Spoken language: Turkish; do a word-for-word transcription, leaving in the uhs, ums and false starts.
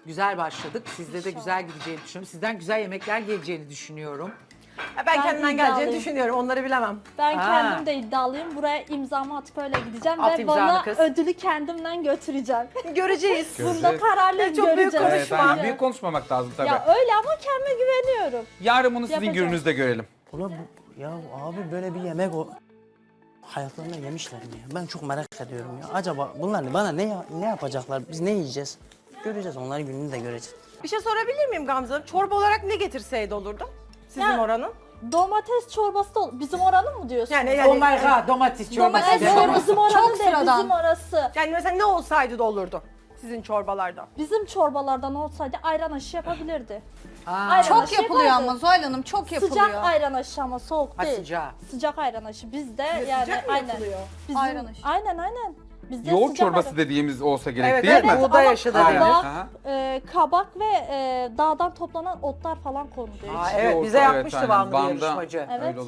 Güzel başladık. Sizde de güzel gideceğini düşünüyorum. Sizden güzel yemekler geleceğini düşünüyorum. Ya ben, Ben kendimden geleceğini iddialıyım. düşünüyorum. Onları bilemem. Ben Ha. kendim de iddialıyım. Buraya imzamı atıp öyle gideceğim At ve imzanı bana kız. ödülü kendimden götüreceğim. Göreceğiz. Bunda kararlıyım, Çok büyük göreceğiz. konuşma. Evet, yani büyük konuşmamak lazım tabii. Ya öyle ama kendime güveniyorum. Yarın bunu sizin Yapacağım. gününüzde görelim. Ulan bu, ya abi böyle bir yemek o hayatlarında yemişler mi ya? Ben çok merak ediyorum ya. Acaba bunlar bana ne ya- ne yapacaklar? Biz ne yiyeceğiz? Göreceğiz, onların gününü de göreceğiz. Bir şey sorabilir miyim Gamze Hanım? Çorba olarak ne getirseydi olurdu? Sizin Ya- oranın? Domates çorbası da ol- bizim oranın mı diyorsun? Yani, Oh yani, my god, domates çorbası. Domates de. çorbası bizim oranın Çok değil, sıradan. bizim orası. yani mesela ne olsaydı da olurdu sizin çorbalarda? Bizim çorbalardan olsaydı ayran aşı yapabilirdi. Aa, Ayran Çok aşı yapılıyor yapardı. ama Zuhal Hanım çok yapılıyor. Sıcak ayran aşı ama soğuk Ha, değil. sıcağı. Sıcak ayran aşı bizde yani sıcak mı aynen. yapılıyor? Bizim, Ayran aşı. Aynen aynen. Bizde Yoğurt sıcak çorbası ayran- dediğimiz olsa gerek Evet, değil evet, mi? bu- Buğday Ama aşı da denir. kabak, Aha. e, kabak ve e, dağdan toplanan otlar falan konuluyor. Aa, içine. evet, Yoğurt, bize evet, yapmıştı aynen. Vanlı Van'da yarışmacı. Evet. öyle